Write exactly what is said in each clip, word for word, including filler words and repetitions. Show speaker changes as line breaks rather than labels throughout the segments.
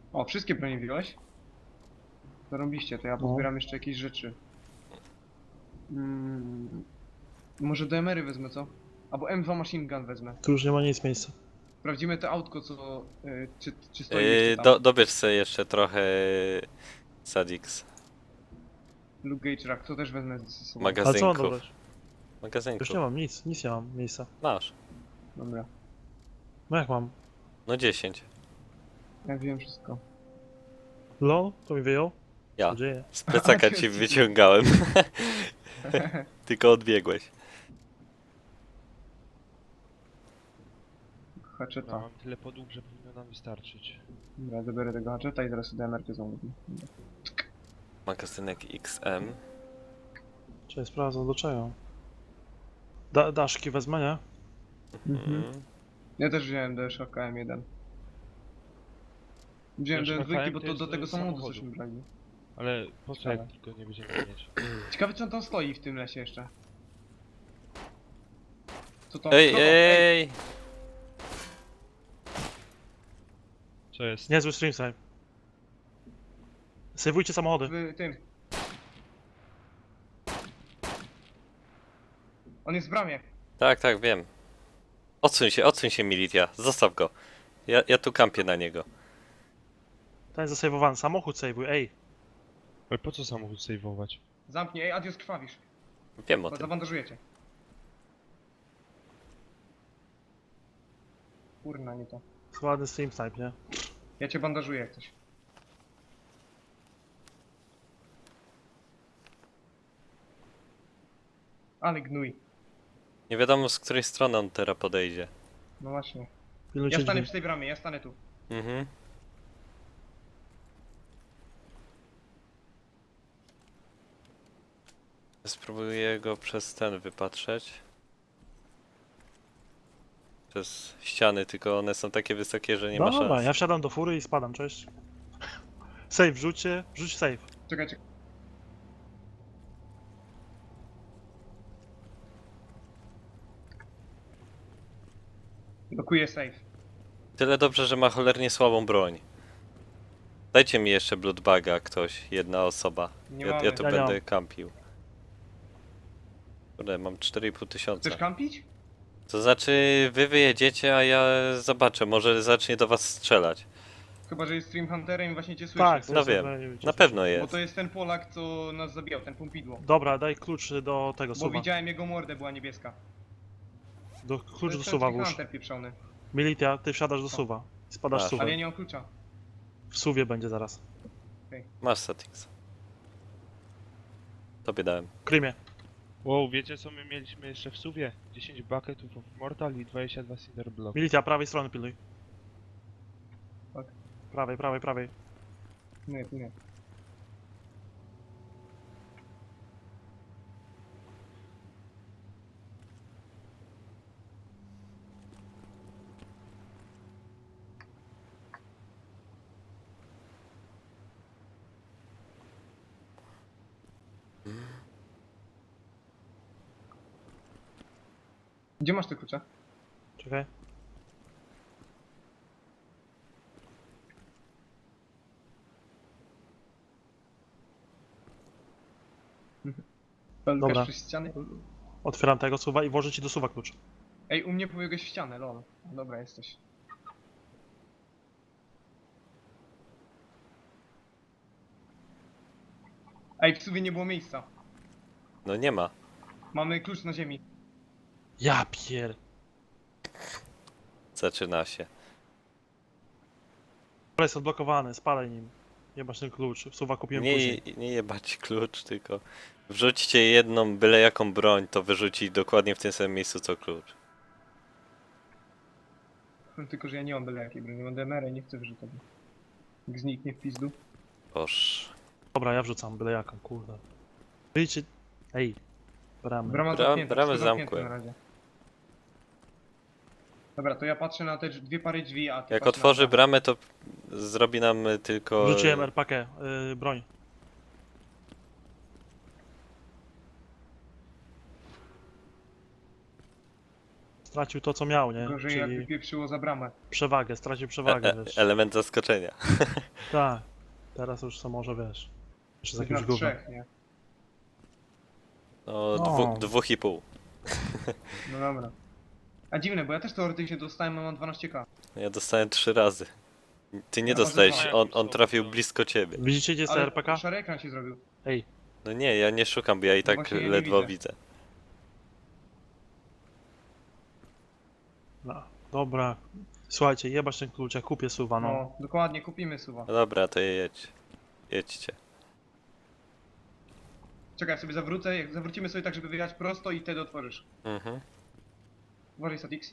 O, wszystkie bronie wziąłeś? Zarobiście, to ja
No.
pozbieram jeszcze jakieś rzeczy. Mm, może D M R-y wezmę, co? Albo M dwa Machine Gun wezmę.
Tu już nie ma nic miejsca.
Sprawdzimy to autko, co... Y, czy, czy stoi
Yy,
jeszcze tam.
do, dobierz sobie jeszcze trochę Sadix
Luke Gage Rack, to też wezmę ze sobą.
Ale co mam
magazynków.
dobrać? Już
Magazynków.
nie mam nic, nic nie mam miejsca.
Masz.
Dobra,
No jak mam?
No dziesięć.
ja wiem wszystko.
LOL? To mi wyjął?
Ja.
Co dzieje?
Z plecaka ci wyciągałem. Tylko odbiegłeś.
Haczeta.
No, mam tyle podłóg, że powinno nam wystarczyć.
Dobra, zabiorę tego haczeta i zaraz D M R-kę zamówię.
Magazynek X M.
Czy sprawdzę do czego? Da daszki wezmę, nie?
Mhm.
Mhm.
Ja też wziąłem D S K M jeden. Wziąłem
D S K
D S dwa, bo
to
to
jest
do tego
do
samochodu
samochodu.
cośmy brali.
Ale po co jak
Ale.
tylko nie będziemy mieć?
Ciekawe, czy on tam stoi w tym lesie jeszcze. Co to?
Ej,
Co to?
ej!
Co jest?
Niezły stream save. Sejwujcie samochody.
W tym. On jest w bramie.
Tak, tak, wiem. Odsuń się, odsuń się Militia. Zostaw go. Ja, ja tu kampię na niego.
Ten jest zasejwowany. Samochód sejwuj, ej.
Ale po co samochód sejwować?
Zamknij, ej, adios krwawisz.
Wiem o
Bo
tym.
zabandażujecie. Kurna, nie to.
Ładny stream snipe, nie?
Ja cię bandażuję jak coś. Ale gnój.
Nie wiadomo z której strony on teraz podejdzie.
No właśnie.
Pilnujcie
Ja stanę
drzwi.
przy tej bramie, ja stanę tu.
Mhm. Spróbuję go przez ten wypatrzeć. Przez ściany, tylko one są takie wysokie, że nie
No
ma
dobra,
szans.
ja wsiadam do fury i spadam, cześć. Save, rzućcie, rzuć save.
Czekaj, czekaj. Blokuję safe.
Tyle dobrze, że ma cholernie słabą broń. Dajcie mi jeszcze bloodbaga ktoś, jedna osoba.
Nie
Ja,
mamy.
ja tu
Ja nie
będę
mam.
kampił. Kurde, mam cztery i pół tysiąca.
Chcesz kampić?
To znaczy, wy wyjedziecie, a ja zobaczę, może zacznie do was strzelać.
Chyba, że jest Stream Hunterem i właśnie cię słyszy.
Tak,
No
to jest-
wiem,
to
Na
jest-
pewno
Bo
jest.
to jest ten Polak, co nas zabijał, ten pompidło.
Dobra, daj klucz do tego
Bo
suwa.
widziałem jego mordę, była niebieska.
Do,
To
klucz do
jest ten
suwa
Stream
włóż.
Hunter pieprzony.
Militia, ty wsiadasz do suwa. I spadasz
Masz.
suwem.
Ale ja nie mam klucza.
W suwie będzie zaraz.
Masz Satix. Tobie dałem.
Krymie.
Wow, wiecie co my mieliśmy jeszcze w suwie? dziesięć bucketów of mortal i dwadzieścia dwa cinder block.
Militia, prawej strony pilnuj.
Tak.
Prawej, prawej, prawej.
Nie, nie. Gdzie masz te klucze?
Czekaj.
Pełkasz
Dobra.
przez ściany?
Otwieram tego suwa i włożę ci do suwa klucz.
Ej, u mnie pobiegłeś w ścianę, lol. Dobra, jesteś. Ej, w suwie nie było miejsca.
No nie ma.
Mamy klucz na ziemi.
Ja pier...
Zaczyna się.
Dobra, jest odblokowany, spalaj nim. Nie masz ten klucz, suwa kupiłem
Nie,
później.
nie jebać klucz, tylko wrzućcie jedną byle jaką broń, to wyrzuci dokładnie w tym samym miejscu co klucz.
Tylko, że ja nie mam byle jakiej broni. Mam D M R i nie chcę wyrzucać. Jak zniknie w pizdu.
Boż.
Dobra, ja wrzucam byle jaką, kurde. Wyjdźcie... Ej. Bramy.
Brama
Bram-
zamknięta,
bramę
wszystko zamknięte
zamkłem.
na razie. Dobra, to ja patrzę na te drz- dwie pary drzwi, a ty
Jak
patrz
otworzy
na...
bramę, to zrobi nam tylko...
Wrzuciłem R P K, yy, broń. stracił to co miał, nie?
Gorzej jakby
Czyli
pieprzyło za bramę.
przewagę, stracił
E,
przewagę,
e,
wiesz.
element zaskoczenia.
Tak. Teraz już co może, wiesz. Jeszcze z
Tych
jakimś
na
gównem.
trzech, nie?
No,
No.
dwu, dwóch i pół.
No dobra. A dziwne, bo ja też teoretycznie dostałem, a mam dwanaście ka.
Ja dostałem trzy razy. Ty nie
Ja może
dostałeś,
dwa.
on, on trafił blisko ciebie.
Widzicie gdzie jest ta
Ale
R P K?
szary ekran się zrobił.
Ej,
No nie, ja nie szukam, bo ja i
No
tak
właśnie ja nie
ledwo
widzę.
widzę.
no, dobra. Słuchajcie, jebać ten klucz, ja kupię suwa, no.
No, dokładnie, kupimy suwa.
No dobra, to jedź. Jedźcie.
Czekaj, sobie zawrócę, jak zawrócimy sobie tak, żeby wyjechać prosto i wtedy otworzysz.
Mhm.
Uważaj, Satix.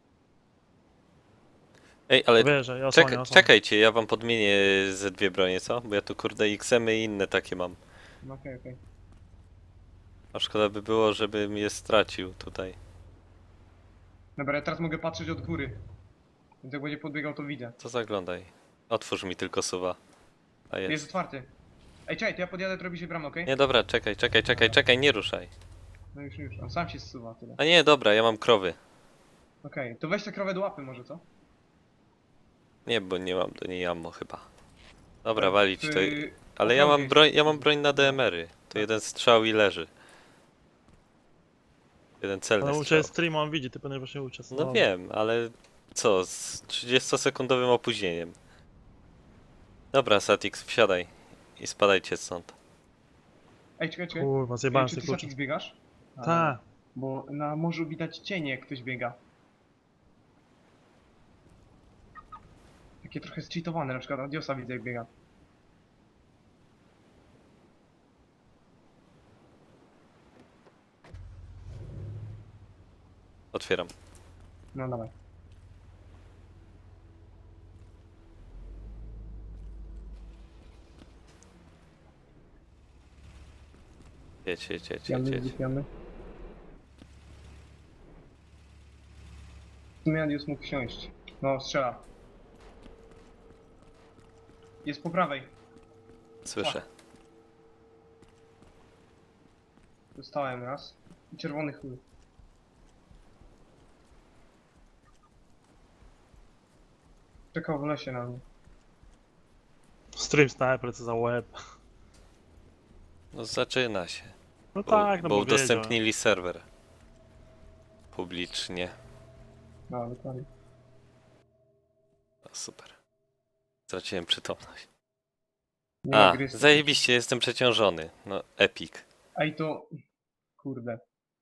Ej, ale
Wiesz, że ja osłonię,
czekaj,
osłonię.
czekajcie, ja wam podmienię ze dwie bronie, co? Bo ja tu kurde X M y i inne takie mam.
No okej, okej.
A szkoda by było, żebym je stracił tutaj.
Dobra, ja teraz mogę patrzeć od góry. Więc jak będzie podbiegał, to widzę.
To zaglądaj. Otwórz mi tylko suwa. A
Jest
jest.
otwarty. Ej, czekaj, to ja podjadę, to robi się bramę, okej?
Nie, dobra, czekaj, czekaj, czekaj, czekaj, nie ruszaj.
No już, już. On sam się zsuwa, tyle.
A nie, dobra, ja mam krowy.
Okej, to weź tę krowę do łapy może, co?
Nie, bo nie mam do niej ammo chyba. Dobra,
Tak,
walić
w-
to. Ale ja mam
okrągłej-
broń, ja mam broń na D M R-y. To jeden strzał i leży. Jeden celny
Ale u
strzał.
Ciebie stream, on widzi, ty powinieneś właśnie uciec.
No
dobra.
wiem, ale co, z trzydziestosekundowym opóźnieniem. Dobra, Satix, wsiadaj i spadajcie stąd.
Ej, czekaj, czekaj.
Kurwa,
Ej,
zjebałem
czy
z
ty
tych kluczy.
Satix biegasz? A,
Tak.
Bo na morzu widać cienie, jak ktoś biega. Takie trochę zcheatowane, na przykład Adiosa widzę, jak biega.
Otwieram.
No dawaj.
Jedź, jedź, jedź, jedź,
Jamy,
jedź.
jamy. W sumie Adios mógł wsiąść. No, strzela. Jest po prawej.
Słyszę.
Dostałem raz. I czerwony chuj. Czekał w lesie na mnie.
Stream sniper, co za łeb.
No zaczyna się.
No
Bo,
tak, no
bo
bo wiedział.
udostępnili serwer. Publicznie.
No, dokładnie.
No, super. Straciłem przytomność.
Nie ma
A,
gry z-
zajebiście, jestem przeciążony. No, epic.
Ej, to... Kurde.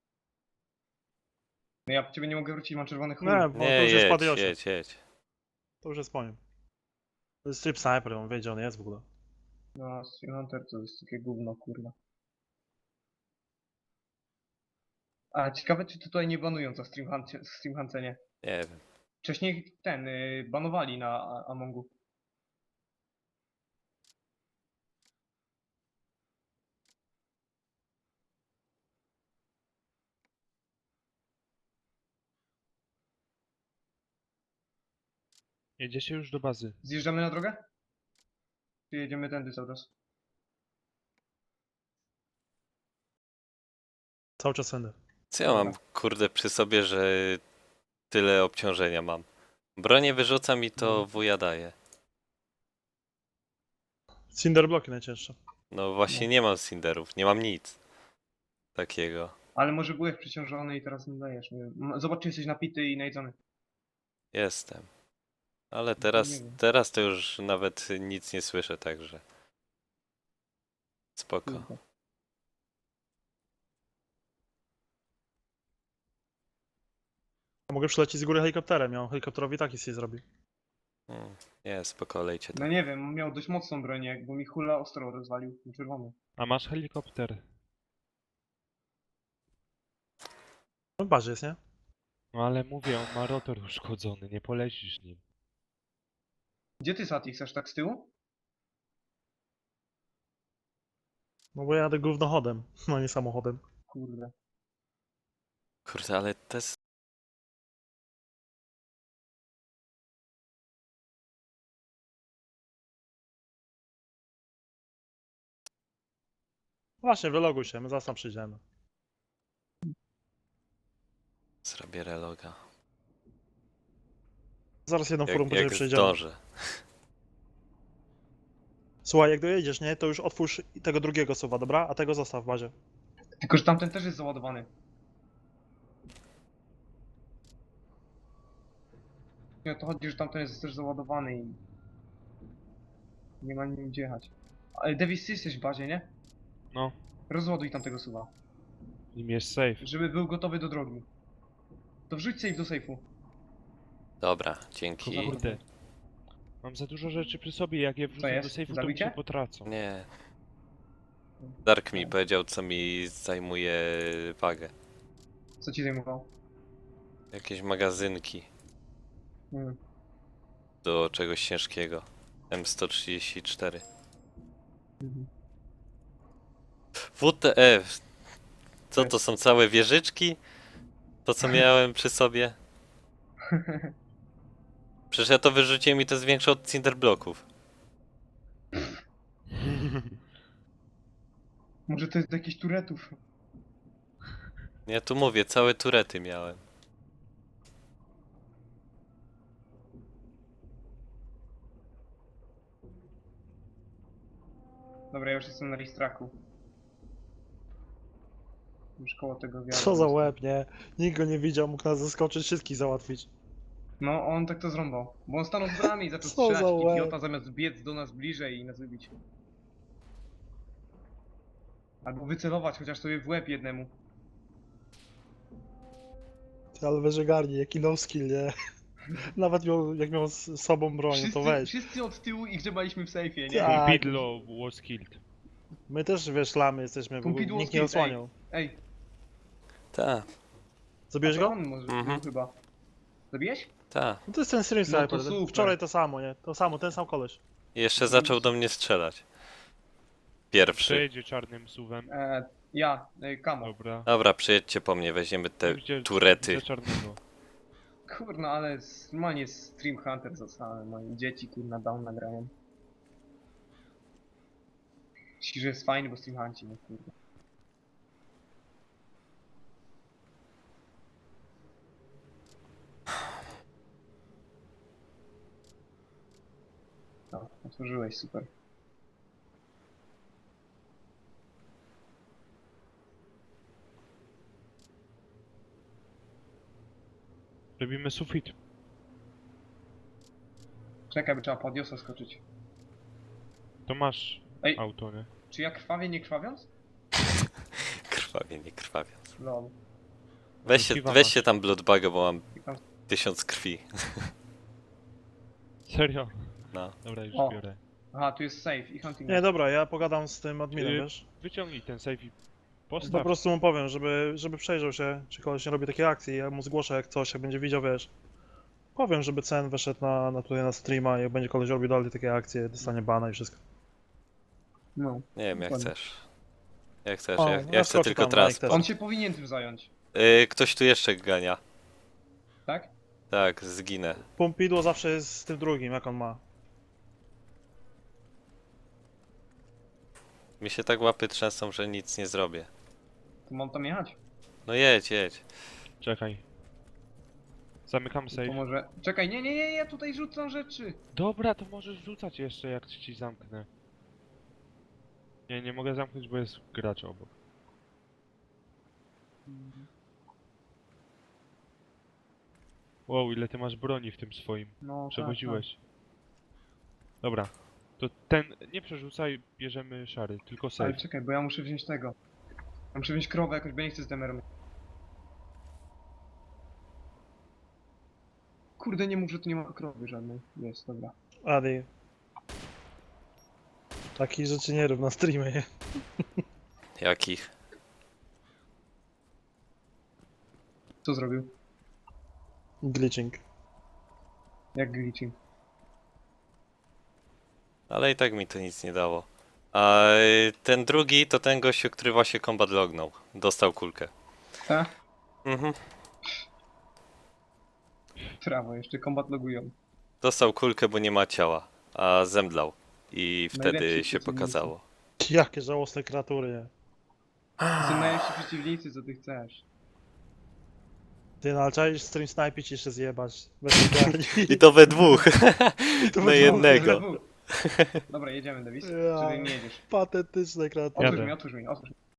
No ja po ciebie nie mogę wrócić, mam czerwony chuj.
Nie, bo
Nie,
to już jest
jedź,
Padiosie.
jedź, jedź.
To już jest po nim. To jest strip sniper, on wie gdzie on jest w ogóle.
No, Stream Hunter to jest takie gówno, kurwa. A ciekawe, czy tutaj nie banują za Stream, Hunt Stream Huncenie.
Nie wiem.
Wcześniej ten, y, banowali na A- Amongu.
Jedziecie już do bazy.
Zjeżdżamy na drogę? Czy jedziemy tędy cały czas?
Cały czas sender.
Co ja mam, kurde, przy sobie, że tyle obciążenia mam? Bronię wyrzucam i to wuja daje.
Cinder bloki najcięższe.
No właśnie nie mam cinderów, nie mam nic takiego.
Ale może byłeś przeciążony i teraz nie dajesz. Nie wiem. M- Zobacz, czy jesteś napity i najedzony.
Jestem. Ale
nie
teraz,
wiem.
teraz to już nawet nic nie słyszę, także spoko.
Kurde.
A mogę przylecieć z góry helikopterem, ja on helikopterowi taki się zrobi.
Mm, Nie, spoko, lejcie
No
tam.
nie wiem, miał dość mocną bronię, bo mi hula ostro rozwalił, ten czerwony.
A masz helikopter?
No w bazie jest, nie?
No ale mówię, on ma rotor uszkodzony, nie polecisz nim.
Gdzie ty, Satix, aż tak z tyłu?
No bo ja jadę gównochodem, no nie samochodem.
Kurde.
Kurde, ale te s-
Właśnie, wyloguj się, my zaraz tam przyjdziemy.
zrobię reloga.
Zaraz jedną furą
Jak,
później
jak
przejdziemy.
zdążę.
Słuchaj, jak dojedziesz, nie, to już otwórz tego drugiego suwa, dobra? A tego zostaw w bazie.
Tylko, że tamten też jest załadowany. Nie, o to chodzi, że tamten jest też załadowany i... Nie ma nim gdzie jechać. Ale Davis, ty jesteś w bazie, nie?
No,
Rozładuj tamtego suwa.
nim jest safe.
Żeby był gotowy do drogi. To wrzuć safe do safe'u.
Dobra, dzięki.
Kurde. Mam za dużo rzeczy przy sobie, jak je wrzucę
jest?
do sejfu, to mi
Zabicie?
się potracą.
Nie. Dark mi powiedział, co mi zajmuje wagę.
Co ci zajmowało?
Jakieś magazynki
Hmm.
do czegoś ciężkiego. M sto trzydzieści cztery.
Mhm.
W T F. Co to są całe wieżyczki? To co miałem przy sobie? Przecież ja to wyrzuciłem i to jest większe od Cinderbloków.
Może to jest do jakichś turetów.
Ja tu mówię, całe turety miałem.
Dobra, ja już jestem na listraku. Już koło tego wiatru.
Co za łeb, nie? Nikt go nie widział, mógł nas zaskoczyć, wszystkich załatwić.
No, on tak to zrąbał. Bo on stanął w bramie i zaczął
Co za
strzelać
łeb.
idiota zamiast biec do nas bliżej i nas wybić. Albo wycelować chociaż sobie w łeb jednemu.
Ty, ale wyżegarni, jaki no skill, nie? Nawet miał, jak miał z sobą broń,
Wszyscy,
to weź.
wszyscy od tyłu i grzebaliśmy w sejfie, nie?
Tak.
Pompidlo was killed.
My też, wiesz, lamy jesteśmy, bo
Pompidou
nikt nie
skill,
osłaniał.
Ej,
Ta,
Zabiłeś
a to
go?
on może
Mhm.
był chyba. Zabiłeś?
ta.
No to jest ten stream
No to
sniper.
super.
Wczoraj to samo, nie? To samo, ten sam koleś.
I jeszcze zaczął do mnie strzelać. Pierwszy.
Przejedzie czarnym suwem.
E, ja, e, Kamo.
Dobra.
Dobra, przyjedźcie po mnie, weźmiemy te
Widzę-
turety.
widzę czarnego.
Kurna, ale s- normalnie Stream Hunter zostałem. Moje dzieci kurna down nagrają. Myślisz, że jest fajny, bo Stream Hunci, no kurwa. No, otworzyłeś, super.
Robimy sufit.
Czekaj, by trzeba podiosa skoczyć.
To masz
Ej.
auto, nie?
Czy ja krwawię nie krwawiąc?
Krwawie, nie krwawiąc.
Lol.
Weźcie,
Piwa
weźcie
masz.
tam Bloodbaga, bo mam
I tam-
tysiąc krwi.
Serio?
No.
Dobra, już
O.
biorę.
Aha, tu jest safe i hunting.
Nie, dobra, ja pogadam z tym adminem,
Yy,
wiesz?
Wyciągnij ten safe i
Po
postaw.
prostu mu powiem, żeby, żeby przejrzał się, czy koleś nie robi takiej akcji, ja mu zgłoszę jak coś, jak będzie widział, wiesz. Powiem, żeby Cen wyszedł na, na tutaj na streama, jak będzie koleś robił dalej takie akcje, dostanie bana i wszystko.
No.
Nie wiem, jak
Dokładnie.
chcesz. Jak chcesz,
O,
ja,
ja
ja chcę
skoczę
tylko
tam, Mike
transport.
też.
On się powinien tym zająć,
Yy, ktoś tu jeszcze gania.
tak?
Tak, zginę.
Pompidło zawsze jest z tym drugim, jak on ma.
Mi się tak łapy trzęsą, że nic nie zrobię.
To mam tam jechać.
No jedź, jedź.
Czekaj. Zamykam
To
safe.
może... Czekaj, nie, nie, nie, ja tutaj rzucam rzeczy.
Dobra, to możesz rzucać jeszcze, jak ci zamknę. Nie, nie mogę zamknąć, bo jest gracz obok. Wow, ile ty masz broni w tym swoim.
No,
Przewoziłeś. Dobra. To ten, nie przerzucaj, bierzemy szary, tylko
Tak, tak. Ale
safe.
czekaj, bo ja muszę wziąć tego. Ja muszę wziąć krowę jakoś, bo ja nie chcę z demerem. Kurde, nie mów, że tu nie ma krowy żadnej. Jest, dobra.
Adi. Takich rzeczy nie rób na streamie, nie?
Jakich?
Co zrobił?
Glitching.
Jak glitching?
Ale i tak mi to nic nie dało. A y, ten drugi to ten gościu, który właśnie combat lognął. Dostał kulkę.
Tak?
Mhm.
Prawo, jeszcze kombat logują.
Dostał kulkę, bo nie ma ciała. A zemdlał. I wtedy
Najlepsi
się
przeciwnicy.
pokazało.
Jakie żałosne kreatury, nie?
To są najlepsi przeciwnicy, co ty chcesz.
Ty no, ale czaisz stream snipić i jeszcze zjebać. Bez ogarni.
I to we dwóch.
To
Na
będzie
jednego.
Dobra, jedziemy, Davis.
Ja.
Czy ty nie jedziesz?
Patetyczne kreatywne.
Otwórz
Jadę.
mi, otwórz mi, otwórz mi.